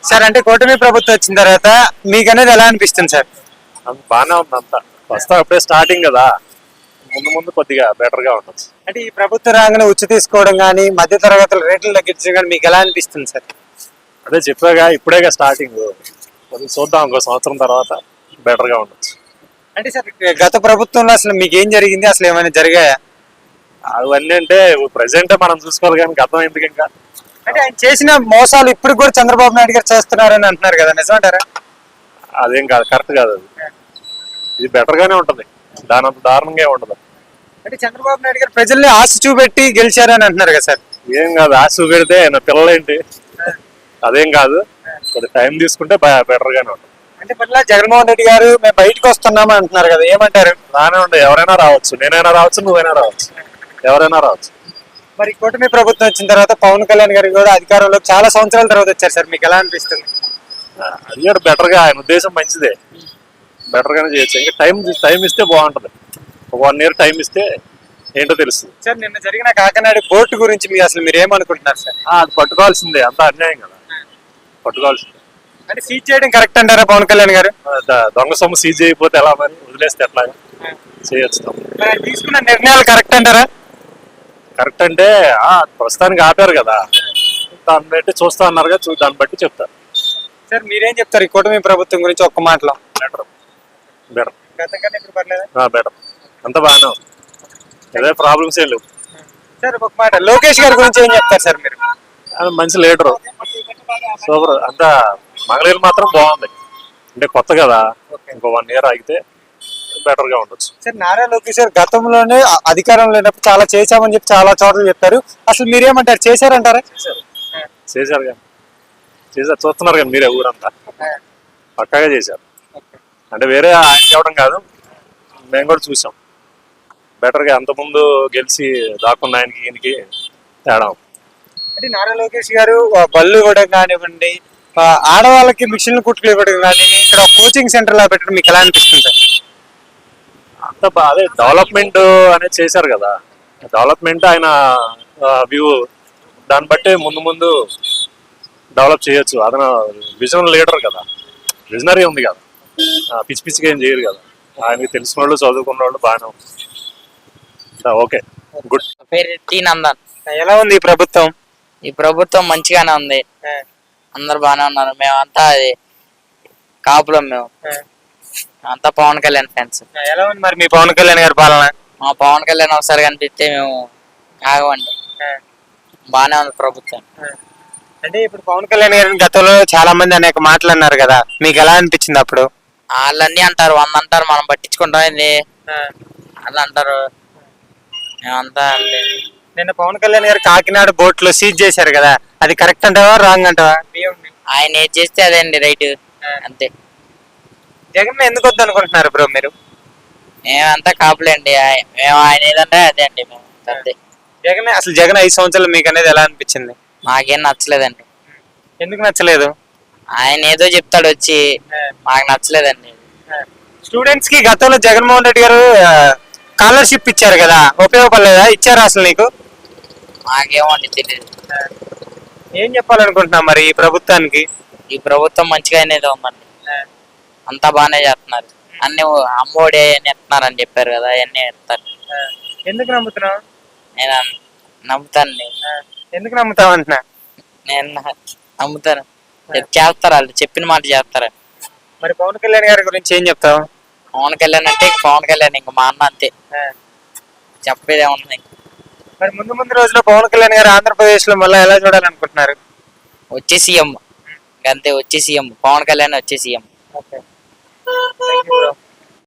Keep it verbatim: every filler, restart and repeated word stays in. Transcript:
Sir అంటే కూటమి ప్రభుత్వం వచ్చిన తర్వాత మీకు అనేది ఎలా అనిపిస్తుంది సార్? అంత బాగానే ఉంది అంతా. వస్తా అప్పుడే స్టార్టింగ్ కదా, ముందు ముందు కొద్దిగా బెటర్ గా ఉండొచ్చు. అంటే ఈ ప్రభుత్వ రంగంలో ఉచ్చు తీసుకోవడం కానీ మధ్య తరగతుల రేట్లు తగ్గించడం కానీ మీకు ఎలా అనిపిస్తుంది సార్? అదే చెప్పాగా, ఇప్పుడేగా స్టార్టింగ్, కొద్దిగా చూద్దాం ఇంకో సంవత్సరం తర్వాత బెటర్ గా ఉండొచ్చు. అంటే సార్ గత ప్రభుత్వంలో అసలు మీకు ఏం జరిగింది, అసలు ఏమైనా జరిగాయా? అవన్నీ అంటే ప్రజెంట్ మనం చూసుకోవాలి కానీ గతం ఎందుకు ఇంకా. అంటే ఆయన చేసిన మోసాలు ఇప్పుడు కూడా చంద్రబాబు నాయుడు గారు చేస్తున్నారని అంటున్నారు కదా, నిజమంటారా? అదేం కాదు, కరెక్ట్ కాదు అది. ఇది బెటర్ గానే ఉంటది, దాని అంత దారుణంగా ఏం ఉండదు. అంటే చంద్రబాబు నాయుడు గారు ప్రజల్ని ఆశ చూపెట్టి గెలిచారని అంటున్నారు కదా సార్? ఏం కాదు, ఆశ చూపెడితే నా పిల్లలేంటి, అదేం కాదు. కొద్ది టైం తీసుకుంటే బెటర్ గానే ఉంటుంది. అంటే మళ్ళీ జగన్మోహన్ రెడ్డి గారు మేము బయటకు వస్తున్నాం అంటున్నారు కదా, ఏమంటారు? బాగానే ఉండే, ఎవరైనా రావచ్చు, నేనైనా రావచ్చు, నువ్వైనా రావచ్చు, ఎవరైనా రావచ్చు. మరి కూటమి ప్రభుత్వం వచ్చిన తర్వాత పవన్ కళ్యాణ్ గారు కూడా అధికారంలో చాలా సంవత్సరాల తర్వాత వచ్చారు సార్, మీకు ఎలా అనిపిస్తుంది? అది కూడా బెటర్ గా, ఆయన ఉద్దేశం మంచిదే, బెటర్ గానే చేయొచ్చు. ఇంకా టైం టైం ఇస్తే బాగుంటది, ఒక వన్ ఇయర్ టైం ఇస్తే ఏంటో తెలుస్తుంది. సార్ నిన్న జరిగిన కాకినాడ బోర్డు గురించి మీరు అసలు మీరు ఏమనుకుంటున్నారు సార్? అది పట్టుకోవాల్సిందే, అంత అన్యాయం కదా, పట్టుకోవాల్సిందే. అంటే సీజ్ చేయడం కరెక్ట్ అంటారా పవన్ కళ్యాణ్ గారు? దొంగ సొమ్ము సీజ్ అయిపోతే ఎలా, మరి వదిలేస్తే ఎట్లా చేయొచ్చు. తీసుకున్న నిర్ణయాలు కరెక్ట్ అంటారా? కరెక్ట్ అంటే ఆ ప్రస్తుతానికి ఆపారు కదా, దాన్ని బట్టి చూస్తా అన్నారు కదా, దాన్ని బట్టి చెప్తారు. సార్ మీరేం చెప్తారు ఈ కూటమి ప్రభుత్వం గురించి ఒక్క మాటలో? బెటర్ బెటర్ గతం కన్నా ఇప్పుడు పర్లేదా? బెటర్, అంత బాగానే ఉంది, ఏదో ప్రాబ్లమ్స్ ఏం లేవు. సార్ ఒక మాట లోకేష్ గారి గురించి ఏం చెప్తారు సార్ మీరు? మంచి లీడరు, సూపర్. అంతా మంగళగిరి మాత్రం బాగుంది, అంటే కొత్త కదా, ఇంకో వన్ ఇయర్ ఆగితే బెటర్ గా ఉండొచ్చు. సార్ నారా లోకేష్ గారు గతంలోనే అధికారంలో లేనప్పుడు చాలా చేశామని చెప్పి చాలా చోట్ల చెప్పారు, అసలు మీరేమంటారు, చేశారంటారా? చేశారు కానీ, చేశారు, చూస్తున్నారు కానీ మీరే, ఊరంతా పక్కాగా చేశారు. అంటే వేరే ఆయన చెప్పడం కాదు, మేము కూడా చూసాం. బెటర్ గా అంతకుముందు గెలిచి దాక్కున్న ఆయనకి ఈయనకి తేడా. అంటే నారా లోకేష్ గారు బళ్ళు ఇవ్వడం కానివ్వండి, ఆడవాళ్ళకి మిషన్లు కుట్టులు ఇవ్వడం కానీ, ఇక్కడ కోచింగ్ సెంటర్ లా పెట్టడం మీకు ఎలా అనిపిస్తుంది సార్? అంత అదే డెవలప్మెంట్ అనేది చేశారు కదా, డెవలప్మెంట్ ఆయన వ్యూ, దాన్ని బట్టి ముందు ముందు డెవలప్ చేయొచ్చు. అతను విజన్ లీడర్ కదా, విజనరీ ఉంది కదా, పిచ్చి పిచ్చిగా ఏం చేయరు కదా, ఆయనకి తెలిసిన వాళ్ళు చదువుకున్న వాళ్ళు బాగానే ఉంది. Okay, good. పేరు టీ నందన్. ఎలా ఉంది ఈ ప్రభుత్వం? ఈ ప్రభుత్వం మంచిగానే ఉంది, అందరు బాగానే ఉన్నారు. మేమంతా అది కాపులం, మేము అంతా పవన్ కళ్యాణ్ ఫ్యాన్స్. ఎలా ఉంది మరి మీ పవన్ కళ్యాణ్ గారి పాలన? మా పవన్ కళ్యాణ్ ఒకసారి కనిపిస్తే మేము ఆగమండి, బాగానే ఉంది ప్రభుత్వం. అంటే ఇప్పుడు పవన్ కళ్యాణ్ గారిని గతంలో చాలా మంది అనేక మాటలు అన్నారు కదా, మీకు ఎలా అనిపించింది అప్పుడు? వాళ్ళన్నీ అంటారు, వంద అంటారు, మనం పట్టించుకుంటాం ఏంది వాళ్ళు అంటారు, మేమంతా అంతే. నిన్న పవన్ కళ్యాణ్ గారు కాకినాడ బోట్ లో సీజ్ చేశారు కదా, అది కరెక్ట్ అంటావా రాంగ్ అంటావా? ఆయన ఏది చేస్తే అదే అండి రైట్, అంతే. జగన్ ఎందుకు వద్దు అనుకుంటున్నారు బ్రో మీరు? మేమంతా కాపులేండి, మేము ఆయన ఏదంటే అదే అండి, మేము అంతే. జగన్ అసలు జగన్ ఐదు సంవత్సరాలు మీకు అనేది ఎలా అనిపించింది? మాకేం నచ్చలేదండి. ఎందుకు నచ్చలేదు? ఆయన ఏదో చెప్తాడు వచ్చి, మాకు నచ్చలేదండి. స్టూడెంట్స్ కి గతంలో జగన్మోహన్ రెడ్డి గారు స్కాలర్షిప్ ఇచ్చారు కదా, ఉపయోగపడలేదా? ఇచ్చారా అసలు నీకు? మాకేమోండి తెలియదు. ఏం చెప్పాలనుకుంటున్నా మరి ఈ ప్రభుత్వానికి? ఈ ప్రభుత్వం మంచిగా అనేది ఉందండి, అంతా బాగానే చేస్తున్నారు. అన్ని అమ్మఒడి అని ఎత్తున్నారు అని చెప్పారు కదా, అవన్నీ ఎత్తారు. ఎందుకు నమ్ముతున్నావు? నేను నమ్ముతాను. ఎందుకు నమ్ముతావు అంటున్నా? నేను నమ్ముతాను, చేస్తారు, వాళ్ళు చెప్పిన మాట చేస్తారు. మరి పవన్ కళ్యాణ్ గారి గురించి ఏం చెప్తావు? పవన్ కళ్యాణ్ అంటే ఇంక పవన్ కళ్యాణ్, ఇంక మా అన్న, అంతే, చెప్పేది ఏముంది. మరి ముందు ముందు రోజుల్లో పవన్ కళ్యాణ్ గారు ఆంధ్రప్రదేశ్ లో మళ్ళీ ఎలా చూడాలనుకుంటున్నారు? వచ్చే సీఎం, అంతే, వచ్చే సీఎం పవన్ కళ్యాణ్ వచ్చే సీఎం. Okay, thank you bro.